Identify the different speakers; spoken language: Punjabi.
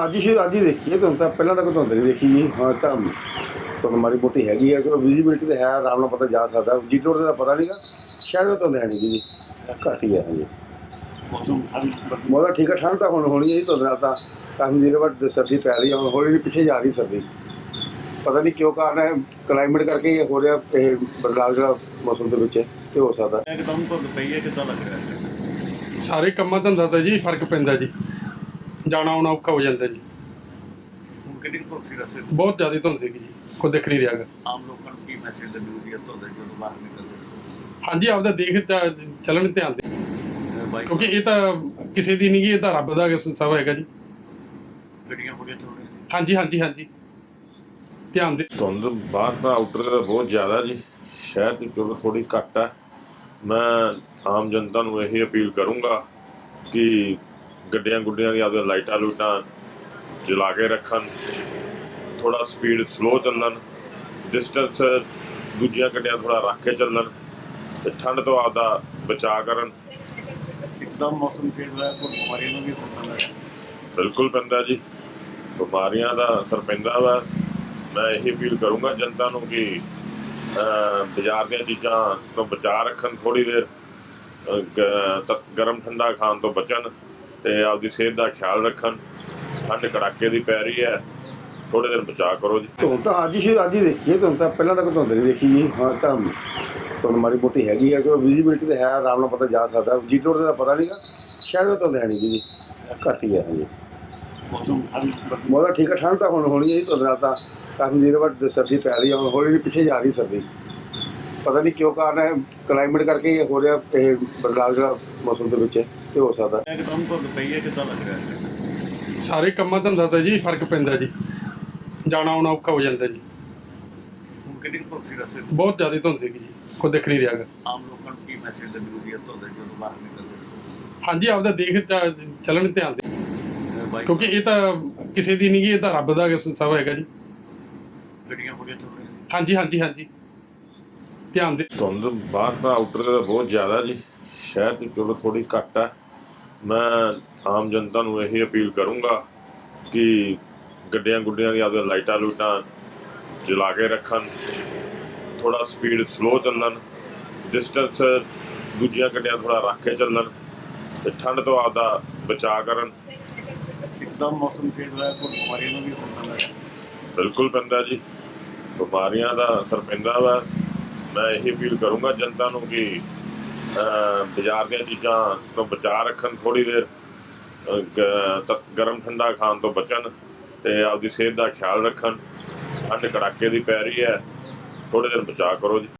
Speaker 1: ਅੱਜ ਹੀ ਦੇਖੀ ਹੈ। ਤੁਹਾਨੂੰ ਤਾਂ ਪਹਿਲਾਂ ਤੱਕ ਧੁੰਦ ਨਹੀਂ ਦੇਖੀ ਜੀ। ਹਾਂ ਤਾਂ ਧੁੰਦ ਮਾੜੀ ਮੋਟੀ ਹੈਗੀ ਹੈ, ਕਿਉਂਕਿ ਵਿਜ਼ੀਬਿਲਿਟੀ ਤਾਂ ਹੈ, ਆਰਾਮ ਨਾਲ ਪਤਾ ਜਾ ਸਕਦਾ। ਜੀ ਰੋਡ ਦਾ ਪਤਾ ਨਹੀਂਗਾ, ਸ਼ਹਿਰ ਧੁੰਦ ਹੈ ਨਹੀਂ ਜੀ, ਘੱਟ ਹੀ ਹੈ। ਹਾਂਜੀ ਮੌਸਮ ਠੀਕ ਹੈ, ਠੰਡ ਤਾਂ ਹੁਣ ਹੋਣੀ ਹੈ ਜੀ। ਧੁੰਦ ਨਾਲ ਤਾਂ ਕਾਫੀ ਦੇਰ ਬਾਅਦ ਸਰਦੀ ਪੈ ਰਹੀ ਹੈ, ਹੁਣ ਹੌਲੀ ਹੌਲੀ ਪਿੱਛੇ ਜਾ ਰਹੀ ਸਰਦੀ। ਪਤਾ ਨਹੀਂ ਕਿਉਂ ਕਾਰਨ ਹੈ, ਕਲਾਈਮੇਟ ਕਰਕੇ ਇਹ ਹੋ ਰਿਹਾ, ਇਹ ਬਦਲਾਅ ਜਿਹੜਾ ਮੌਸਮ ਦੇ ਵਿੱਚ ਇਹ ਹੋ ਸਕਦਾ।
Speaker 2: ਇੱਕਦਮ ਧੁੰਦ ਪਈ ਹੈ, ਕਿੱਦਾਂ ਲੱਗ ਰਿਹਾ?
Speaker 3: ਸਾਰੇ ਕੰਮਾਂ ਧੰਦਾ ਤਾਂ ਜੀ ਫਰਕ ਪੈਂਦਾ ਜੀ, ਜਾਣਾ ਆਉਣਾ ਔਖਾ ਹੋ ਜਾਂਦਾ ਜੀ।
Speaker 2: ਹੁਣ ਕਿੰਨੀ ਧੁੰਦ ਸੀ ਰਸਤੇ 'ਚ?
Speaker 3: ਬਹੁਤ ਜ਼ਿਆਦਾ ਧੁੰਦ ਸੀਗੀ ਜੀ, ਕੋਈ ਦਿਖ ਨਹੀਂ ਰਿਹਾ ਗਾ।
Speaker 2: ਆਮ ਲੋਕਾਂ ਨੂੰ ਕੀ ਮੈਸੇਜ ਦੇਣੀ ਹੈ ਧੁੰਦ ਜਦੋਂ ਬਾਹਰ ਨਿਕਲਦੇ?
Speaker 3: ਹਾਂਜੀ, ਆਪਦਾ ਦੇਖ ਚੱਲਣ ਧਿਆਨ ਦੇ,
Speaker 2: ਬਾਈਕ
Speaker 3: ਕਿਉਂਕਿ ਇਹ ਤਾਂ ਕਿਸੇ ਦੀ ਨਹੀਂ ਗੀ, ਇਹ ਤਾਂ ਰੱਬ ਦਾ ਸਭ ਹੈਗਾ ਜੀ।
Speaker 2: ਗੱਡੀਆਂ ਹੋੜੀਆਂ ਚੱਲ ਰਹੀਆਂ।
Speaker 3: ਹਾਂਜੀ ਹਾਂਜੀ ਹਾਂਜੀ, ਧਿਆਨ ਦੇ।
Speaker 4: ਧੁੰਦ ਬਾਹਰ ਤਾਂ ਆਊਟਰ ਦਾ ਬਹੁਤ ਜ਼ਿਆਦਾ ਜੀ, ਸ਼ਹਿਰ 'ਚ ਚਲੋ ਥੋੜ੍ਹੀ ਘੱਟ ਹੈ। ਮੈਂ ਆਮ ਜਨਤਾ ਨੂੰ ਇਹੀ ਅਪੀਲ ਕਰੂੰਗਾ ਕਿ ਗੱਡੀਆਂ ਗੁੱਡੀਆਂ ਦੀਆਂ ਆਪਦੀਆਂ ਲਾਈਟਾਂ ਲੂਟਾਂ ਜਲਾ ਕੇ ਰੱਖਣ, ਥੋੜ੍ਹਾ ਸਪੀਡ ਸਲੋ ਚੱਲਣ, ਡਿਸਟੈਂਸ ਦੂਜੀਆਂ ਗੱਡੀਆਂ ਥੋੜ੍ਹਾ ਰੱਖ ਕੇ ਚੱਲਣ ਅਤੇ ਠੰਡ ਤੋਂ ਆਪਦਾ ਬਚਾਅ ਕਰਨ।
Speaker 2: ਇੱਕਦਮ ਮੌਸਮ ਚੇਂਜ ਹੋਇਆ, ਕੋਈ ਬਿਮਾਰੀਆਂ ਨੂੰ ਵੀ ਹੁੰਦਾ ਹੈ।
Speaker 4: ਬਿਲਕੁਲ ਪੈਂਦਾ ਜੀ, ਬਿਮਾਰੀਆਂ ਦਾ ਅਸਰ ਪੈਂਦਾ ਵਾ। ਮੈਂ ਇਹੀ ਅਪੀਲ ਕਰੂੰਗਾ ਜਨਤਾ ਨੂੰ ਕਿ ਬਾਜ਼ਾਰ ਦੀਆਂ ਚੀਜ਼ਾਂ ਤੋਂ ਬਚਾਅ ਰੱਖਣ, ਥੋੜ੍ਹੀ ਦੇਰ ਗਰਮ ਠੰਡਾ ਖਾਣ ਤੋਂ ਬਚਣ ਅਤੇ ਆਪਦੀ ਸਿਹਤ ਦਾ ਖਿਆਲ ਰੱਖਣ। ਠੰਡ ਕੜਾਕੇ ਦੀ ਪੈ ਰਹੀ ਹੈ, ਥੋੜ੍ਹੇ ਦਿਨ ਬਚਾਅ ਕਰੋ ਜੀ।
Speaker 1: ਧੁੰਦ ਤਾਂ ਅੱਜ ਹੀ ਦੇਖੀ ਹੈ। ਤੁਹਾਨੂੰ ਤਾਂ ਪਹਿਲਾਂ ਤੱਕ ਧੁੰਦ ਨਹੀਂ ਦੇਖੀ ਜੀ। ਹਾਂ ਤਾਂ ਧੁੰਦ ਮਾੜੀ ਮੋਟੀ ਹੈਗੀ ਹੈ, ਕਿਉਂਕਿ ਵਿਜ਼ੀਬਿਲਿਟੀ ਤਾਂ ਹੈ, ਆਰਾਮ ਨਾਲ ਪਤਾ ਜਾ ਸਕਦਾ। ਜੀ ਰੋਡ ਦਾ ਪਤਾ ਨਹੀਂਗਾ, ਸ਼ਹਿਰ ਧੁੰਦ ਹੈ ਨਹੀਂ ਜੀ, ਘੱਟ ਹੀ ਹੈ। ਹਾਂਜੀ
Speaker 2: ਮੌਸਮ
Speaker 1: ਮੌਸਮ ਠੀਕ ਹੈ, ਠੰਡ ਤਾਂ ਹੁਣ ਹੋਣੀ ਹੈ ਜੀ। ਧੁੰਦ ਨਾਲ ਤਾਂ ਕਾਫੀ ਦੇਰ ਬਾਅਦ ਸਰਦੀ ਪੈ ਰਹੀ ਹੈ, ਹੁਣ ਹੌਲੀ ਹੌਲੀ ਪਿੱਛੇ ਜਾ ਰਹੀ ਸਰਦੀ। ਪਤਾ ਨਹੀਂ ਕਿਉਂ ਕਾਰਨ ਹੈ, ਕਲਾਈਮੇਟ ਕਰਕੇ ਇਹ ਹੋ ਰਿਹਾ, ਇਹ ਬਦਲਾਅ ਜਿਹੜਾ ਮੌਸਮ ਦੇ ਵਿੱਚ ਇਹ ਹੋ ਸਕਦਾ।
Speaker 2: ਇੱਕਦਮ ਧੁੰਦ ਪਈ ਹੈ, ਕਿੱਦਾਂ ਲੱਗ ਰਿਹਾ?
Speaker 3: ਸਾਰੇ ਕੰਮਾਂ ਧੰਦਾ ਤਾਂ ਜੀ ਫਰਕ ਪੈਂਦਾ ਜੀ, ਜਾਣਾ ਆਉਣਾ ਔਖਾ ਹੋ ਜਾਂਦਾ ਜੀ।
Speaker 2: ਹੁਣ ਕਿੰਨੀ ਧੁੰਦ ਸੀ ਰਸਤੇ 'ਚ?
Speaker 3: ਬਹੁਤ ਜ਼ਿਆਦਾ ਧੁੰਦ ਸੀਗੀ ਜੀ, ਕੋਈ ਦਿਖ ਨਹੀਂ ਰਿਹਾ ਗਾ।
Speaker 2: ਆਮ ਲੋਕਾਂ ਨੂੰ ਕੀ ਮੈਸੇਜ ਦੇਣੀ ਹੈ ਧੁੰਦ ਜਦੋਂ ਬਾਹਰ ਨਿਕਲਦੇ?
Speaker 3: ਹਾਂਜੀ, ਆਪਦਾ ਦੇਖ ਚੱਲਣ ਧਿਆਨ ਦੇ,
Speaker 2: ਬਾਈਕ
Speaker 3: ਕਿਉਂਕਿ ਇਹ ਤਾਂ ਕਿਸੇ ਦੀ ਨਹੀਂ ਗੀ, ਇਹ ਤਾਂ ਰੱਬ ਦਾ ਸਭ ਹੈਗਾ ਜੀ।
Speaker 2: ਗੱਡੀਆਂ ਹੋੜੀਆਂ ਚੱਲ ਰਹੀਆਂ।
Speaker 3: ਹਾਂਜੀ ਹਾਂਜੀ ਹਾਂਜੀ, ਧਿਆਨ ਦੇ।
Speaker 4: ਧੁੰਦ ਬਾਹਰ ਤਾਂ ਆਊਟਰ ਦਾ ਬਹੁਤ ਜ਼ਿਆਦਾ ਜੀ, ਸ਼ਹਿਰ 'ਚ ਚਲੋ ਥੋੜ੍ਹੀ ਘੱਟ ਹੈ। ਮੈਂ ਆਮ ਜਨਤਾ ਨੂੰ ਇਹੀ ਅਪੀਲ ਕਰੂੰਗਾ ਕਿ ਗੱਡੀਆਂ ਗੁੱਡੀਆਂ ਦੀਆਂ ਆਪਦੀਆਂ ਲਾਈਟਾਂ ਲੂਟਾਂ ਜਲਾ ਕੇ ਰੱਖਣ, ਥੋੜ੍ਹਾ ਸਪੀਡ ਸਲੋ ਚੱਲਣ, ਡਿਸਟੈਂਸ ਦੂਜੀਆਂ ਗੱਡੀਆਂ ਥੋੜ੍ਹਾ ਰੱਖ ਕੇ ਚੱਲਣ ਅਤੇ ਠੰਡ ਤੋਂ ਆਪਦਾ ਬਚਾਅ ਕਰਨ।
Speaker 2: ਇੱਕਦਮ ਮੌਸਮ ਚੇਂਜ ਹੋਇਆ, ਕੋਈ ਬਿਮਾਰੀਆਂ ਨੂੰ ਵੀ ਹੁੰਦਾ ਹੈ।
Speaker 4: ਬਿਲਕੁਲ ਪੈਂਦਾ ਜੀ, ਬਿਮਾਰੀਆਂ ਦਾ ਅਸਰ ਪੈਂਦਾ ਵਾ। ਮੈਂ ਇਹੀ ਅਪੀਲ ਕਰੂੰਗਾ ਜਨਤਾ ਨੂੰ ਕਿ ਬਾਜ਼ਾਰ ਦੀਆਂ ਚੀਜ਼ਾਂ ਤੋਂ ਬਚਾਅ ਰੱਖਣ, ਥੋੜ੍ਹੀ ਦੇਰ ਗਰਮ ਠੰਡਾ ਖਾਣ ਤੋਂ ਬਚਣ ਅਤੇ ਆਪਦੀ ਸਿਹਤ ਦਾ ਖਿਆਲ ਰੱਖਣ। ਠੰਡ ਕੜਾਕੇ ਦੀ ਪੈ ਰਹੀ ਹੈ, ਥੋੜ੍ਹੇ ਦਿਨ ਬਚਾਅ ਕਰੋ ਜੀ।